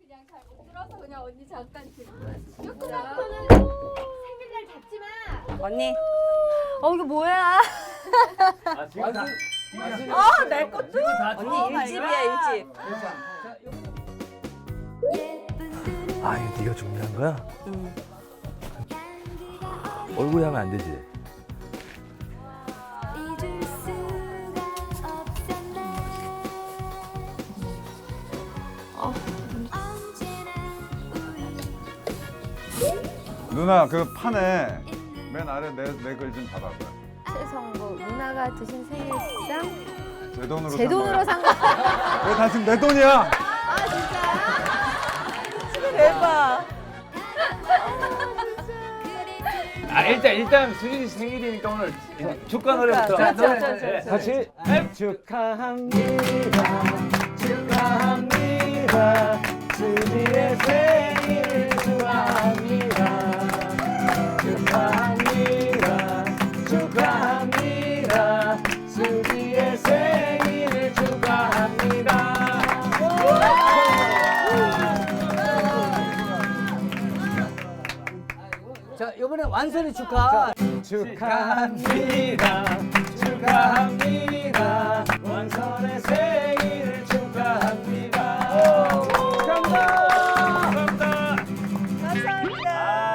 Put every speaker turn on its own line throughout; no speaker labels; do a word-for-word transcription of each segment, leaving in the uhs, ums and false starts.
그냥 잘 못 들어서 그냥 언니 잠깐 듣고 조금
생일날 잡지 마.
언니. 어 이거 뭐야?
아 지금 다.
아 내 것도?
언니
언니 일집이야 일집.
아 이거 네가 준비한 거야?
응.
얼굴에 하면 안 되지.
누나 그 판에 맨 아래 내 내 글 좀 잡아봐.
최성국 누나가 드신 생일상
제 돈으로
제 돈으로 산 거.
왜 다 지금 내 돈이야?
아 진짜?
대박.
아 일단 일단 수진이 생일이니까 오늘 축하 노래부터.
그렇죠, 그렇죠,
네,
그렇죠.
같이 축하합니다. 축하합니다. 수진이의 생일 축하합니다. 축하합니다. 축하합니다. 수지의 생일을 축하합니다.
자, 이번에 완선이 축하.
축하합니다. 축하합니다. 완선의 생일을 축하합니다. 감사합니다. 감사합니다.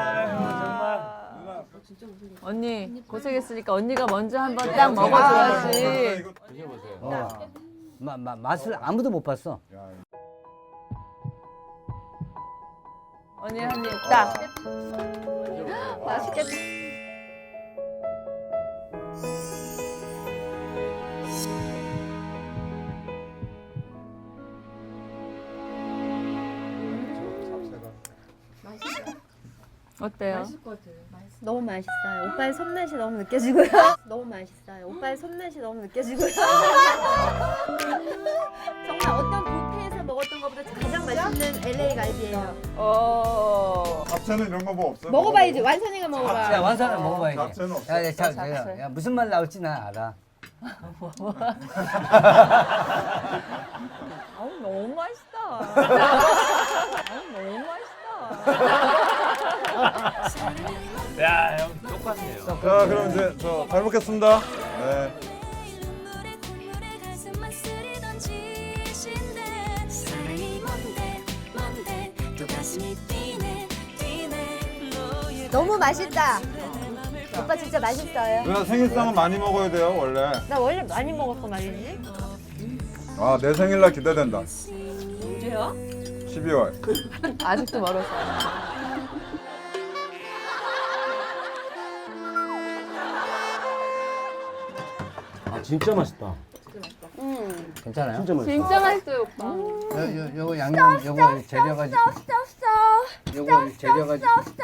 아유, 정말.
언니 고생했으니까 언니가 먼저 한번 딱 먹어줘야지.
드셔보세요.
어. 마, 마, 맛을 아무도 못 봤어.
언니 한 입 딱.
맛있겠다.
어때요?
너무 맛있어요. 오빠의 손맛이 너무 느껴지고요. 너무 맛있어요. 오빠의 손맛이 너무 느껴지고요. 정말 어떤 뷔페에서 먹었던 것보다 가장 맛있는 엘에이 갈비예요.
어.
잡채는 이런 거 뭐 없어?
먹어봐야지. 완선이가
자,
먹어봐.
완선을 먹어봐야지.
잡채는 없어.
야, 야, 자, 야, 야, 무슨 말 나올지 난 알아.
아우 너무 맛있다. 아우 너무 맛있다.
야, 형 똑같네요.
자 그럼 이제 저 잘 먹겠습니다. 네.
너무 맛있다. 오빠 진짜 맛있어요.
누나 생일상은 많이 먹어야 돼요 원래.
나 원래 많이 먹었어 말이지.
아 내 생일날 기대된다.
언제요?
십이월.
아직도 멀었어.
아 진짜 맛있다.
괜찮아요?
진짜 맛있어.
진짜 맛있어요 오빠.
요, 요, 요거 양념, 요거 재료가, 요거 재료가.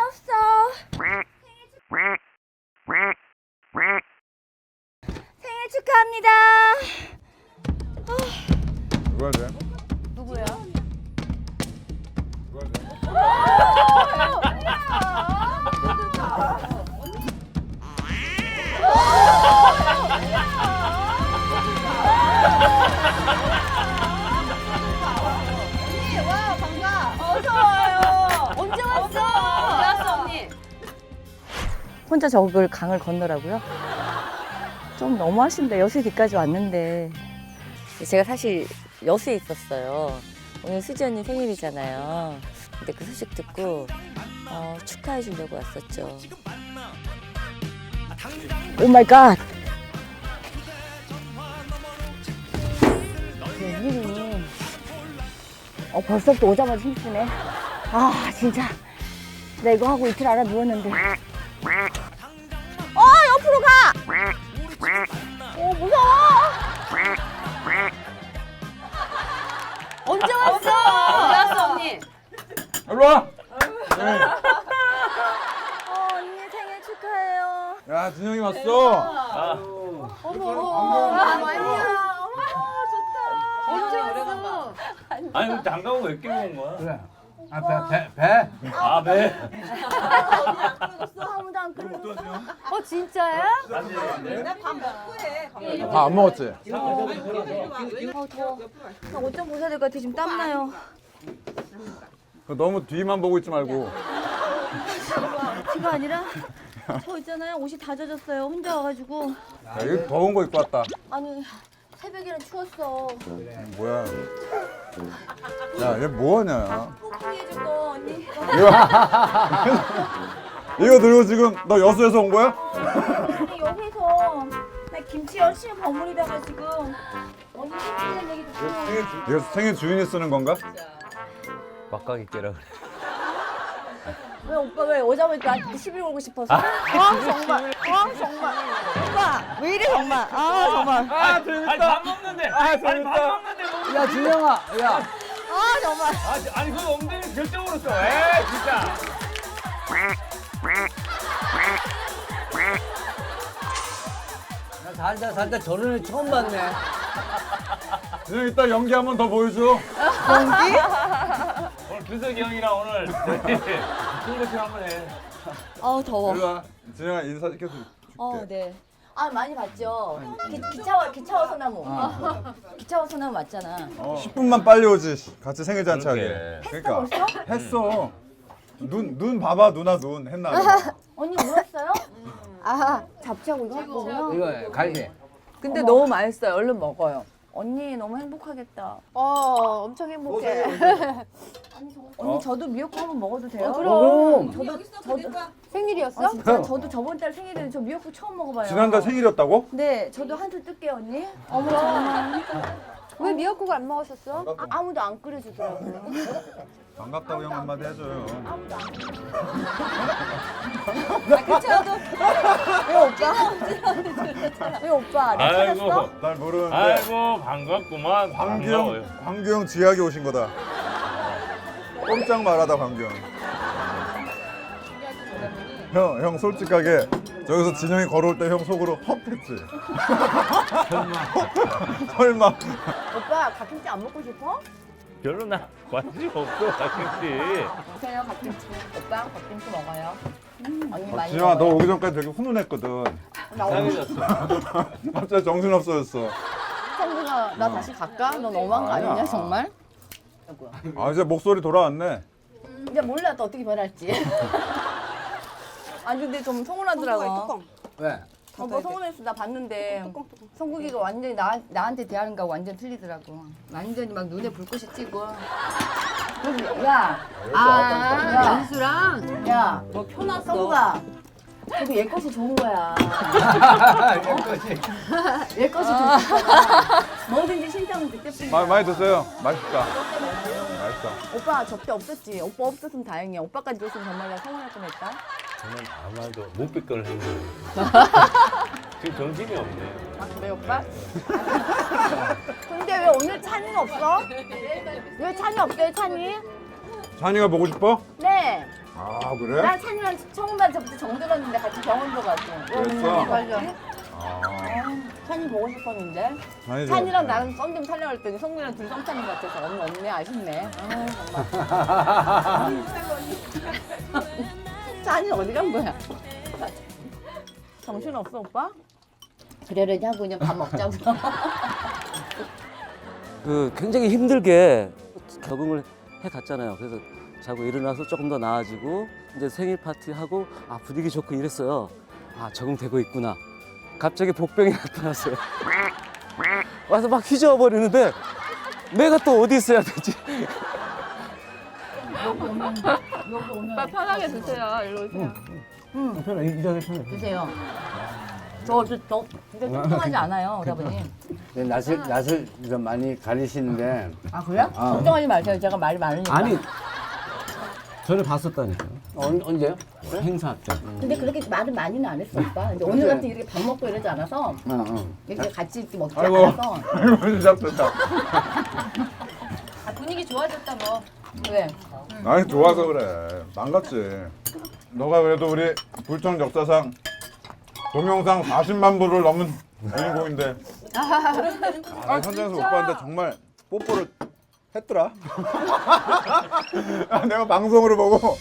생일 축하합니다.
누가 돼?
누구야?
누가 돼?
와 반가. 어서 와요. 언제 왔어? 언제 왔어 언니? 혼자 저걸 강을 건너라고요? 좀 너무하신데 여수 뒤까지 왔는데. 제가 사실 여수에 있었어요. 오늘 수지 언니 생일이잖아요. 근데 그 소식 듣고 어, 축하해 주려고 왔었죠. 오 마이 갓. 웬일이니? 어, 벌써부터 오자마자 힘쓰네. 아, 진짜. 나 이거 하고 이틀 알아 누웠는데. 어, 옆으로 가! 어, 무서워! 언제 왔어? 언제 왔어, 언니?
일로 와.
어, 언니 생일 축하해요.
야 진영이 왔어.
아,
어머, 어머, 아니야. 언제 왔어?
아니 우리 장가고 몇 개 먹은 거야?
그래. 아, 배, 배, 배.
아 네.
아무도 안 끊었어.
어 진짜야?
다 안 먹었지?
나 옷 좀 벗어야 될 것 같아. 지금 땀나요.
너무 뒤만 보고 있지 말고.
티가 아니라 저 있잖아요. 옷이 다 젖었어요. 혼자 와가지고.
야, 이거 더운 거 입고 왔다.
아니 새벽에는 추웠어.
뭐야? 야, 얘 뭐하냐?
포크해줄 거 언니.
이거 들고 지금 너 여수에서 온 거야?
아니 여기서 나 김치 열심히 버무리다가 지금 언니 생일이라는 얘기 듣고.
이거 생일 주인이 쓰는 건가?
막가기 깨라 그래.
왜 오빠 왜 오자마자 나한테 시비 걸고 싶어서? 아 정말, 아 정말, 오빠 왜 이래 정말, 아 정말,
아 재밌다. 아니 밥 먹는데. 아니 밥 먹는데 뭐.
야 준영아, 야.
아 정말.
아, 아니 그 엉덩이 결정으로 써. 에이 진짜.
나 살다 살다 저런 애 처음 봤네.
그냥 이따 연기 한 번 더 보여줘.
오늘 규석이 형이랑 오늘 친구식 한번 해.
아 더워.
일로 와. 진영아 인사시켜서 줄게.
어 네. 아 많이 봤죠. 기, 기차와 기차와 소나무. 기차와 소나무 맞잖아.
어. 십 분만 빨리 오지. 같이 생일 잔치 하게.
그러게.
그러니까
벌써?
했어. 눈 눈 봐봐 누나 눈 했나?
언니 울었어요? 아 잡채하고 이거 할 거구나.
이거 갈비.
근데 너무 맛있어요. 얼른 먹어요. 언니 너무 행복하겠다.
어, 엄청 행복해.
언니 저도 미역국 한번 먹어도 돼요?
그럼.
저도 저도
생일이었어?
아, 진짜 저도 저번 달 생일에 저 미역국 처음 먹어봐요.
지난달 생일이었다고?
네, 저도 한 술 뜰게요 언니. 어머 정말.
왜 미역국을 안 먹으셨어?
아, 아무도 안 끓여주더라고요.
반갑다고 형 한마디 해줘요.
아무도 안 끓여주더라고요. 그쳐도 왜 오빠? 왜 오빠? 나 찾았어?
아이고.
날 모르는데
아이고 반갑구만.
광규형 광규형 지하게 오신 거다. 꼼짝 말하다 광규형. 형, 형 솔직하게 저기서 진영이 걸어올 때 형 속으로 헉했지. 설마. 설마.
오빠 갓김치 안 먹고 싶어?
별로 나 관심 없어 가끔씩.
보세요 갓김치. 오빠 갓김치 먹어요. 음, 언니 많이
진영아 너
먹어요.
오기 전까지 되게 훈훈했거든.
나 오늘
갑자기 정신 없어졌어.
성준아 나 다시 갈까? 너 너무한 거 아니냐
아니야.
정말?
아 이제 목소리 돌아왔네.
이제 몰라 또 어떻게 변할지. 아니 근데 좀 서운하더라고.
왜?
오빠 서운했어. 나 봤는데 성국이가 완전히 나, 나한테 대하는 거 완전 틀리더라고. 완전히 막 눈에 불꽃이 튀고. 그래서 야,
아, 연수랑?
야, 너 펴놨어. 성국아, 그래도 얘 것이 좋은 거야. 얘 것이 좋은 거야. 뭐든지 신청은 그때뿐이야.
마, 많이 드세요. 맛있다. 맛있다.
오빠 접대 없었지. 오빠 없었으면 다행이야. 오빠까지 줬으면 정말 나 서운할 뻔했다.
저는 아마도 못 뵙걸 했는데 지금 정신이 없네.
아 그래 오빠? 근데 왜 오늘 찬이는 없어? 왜 찬이 없어요 찬이?
찬이가 보고 싶어?
네.
아 그래?
나 찬이랑 처음 반 저부터 정들었는데 같이 병원도 가고.
그랬어?
맞아.
아,
찬이 보고 싶었는데.
찬이
찬이랑 나랑 썸 좀 살려고 했더니 성민이랑 둘 썸 타는 것 같아서 언니 없네 아쉽네. 아 정말. 찬이 어디 간 거야? 정신 없어 오빠? 그러려니 하고 그냥 밥 먹자고.
그 굉장히 힘들게 적응을 해 갔잖아요. 그래서 자고 일어나서 조금 더 나아지고 이제 생일 파티 하고 아 분위기 좋고 이랬어요. 아 적응되고 있구나. 갑자기 복병이 나타났어요. 와서 막 휘저어 버리는데 내가 또 어디 있어야 되지?
오빠 편하게 드세요. 일로 오세요.
응. 편해. 이 자세 편해.
드세요. 저, 저, 저, 진짜 걱정하지 않아요, 오라버님.
네, 낯을 낯을 좀 많이 가리시는데.
아, 그래요?
아.
걱정하지 마세요. 제가 말이 많으니까.
아니 전에 봤었다니까요.
언, 언제요?
행사 때.
근데 그렇게 말은 많이는 안 했어, 오빠. 근데 오늘 같은 이렇게 밥 먹고 이러지 않아서,
응, 응.
이렇게 같이 이렇게 먹지
아이고.
않아서.
아이고 시작됐다.
아, 분위기 좋아졌다, 뭐. 왜?
아니 좋아서 그래. 망갔지. 너가 그래도 우리 불청 역사상 동영상 사십만 부를 넘은 주인공인데. 아, 현장에서 오빠한테 정말 뽀뽀를 했더라. 아, 내가 방송으로 보고.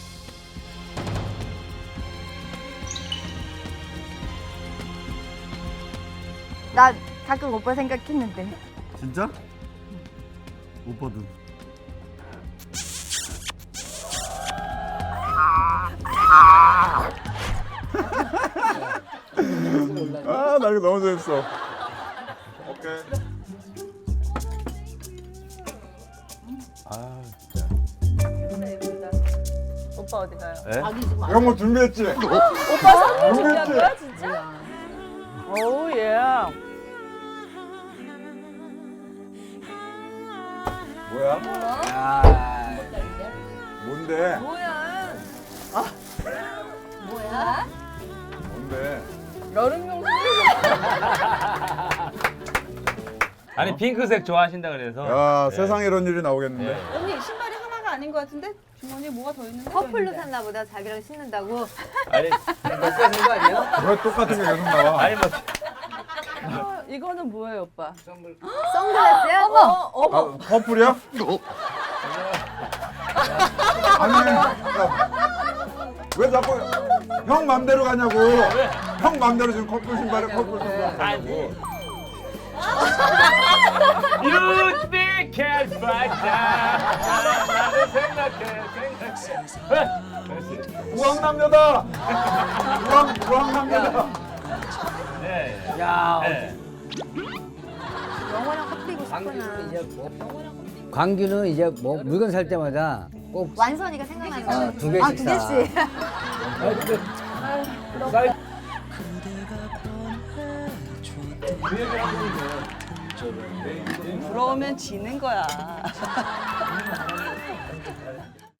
나 가끔 오빠 생각했는데.
진짜? 오빠도. 이거 너무 재밌어. 오케이.
아,
오빠 어디 가요?
예?
이런 거 준비했지?
오빠 선물 준비한
준비했지?
거야 진짜? 오우 예.
뭐야?
야,
뭔데?
뭐야?
뭐야?
뭔데?
여름용
아니 핑크색 좋아하신다 그래서.
야
네.
세상에 이런 일이 나오겠는데.
네.
언니 신발이 하나가 아닌 것 같은데 주머니에 뭐가 더 있는 거
커플로 샀나 보다. 자기랑 신는다고.
아니
몇살 된거 아니야?
왜 똑같은 게 계속 나와?
아니 뭐
어, 이거는 뭐예요 오빠?
선글라스야?
어머 어머.
아, 커플이야? 아니, 야, 왜 자꾸 형 맘대로 가냐고. 형 맘대로 지금 커플 신발에 커플 신발 가냐고.
You speak as 나를 생각해 생각해.
우왕남녀다. 우왕 우왕남녀다.
네.
야,
네.
영어랑 커플이고
광규는
싶구나.
이제 뭐? 광규는 이제 뭐 물건 살 때마다 꼭
완선이가 생각나는 거.
아, 두 개씩
아, 두
사.
개씩.
부러우면 지는 거야.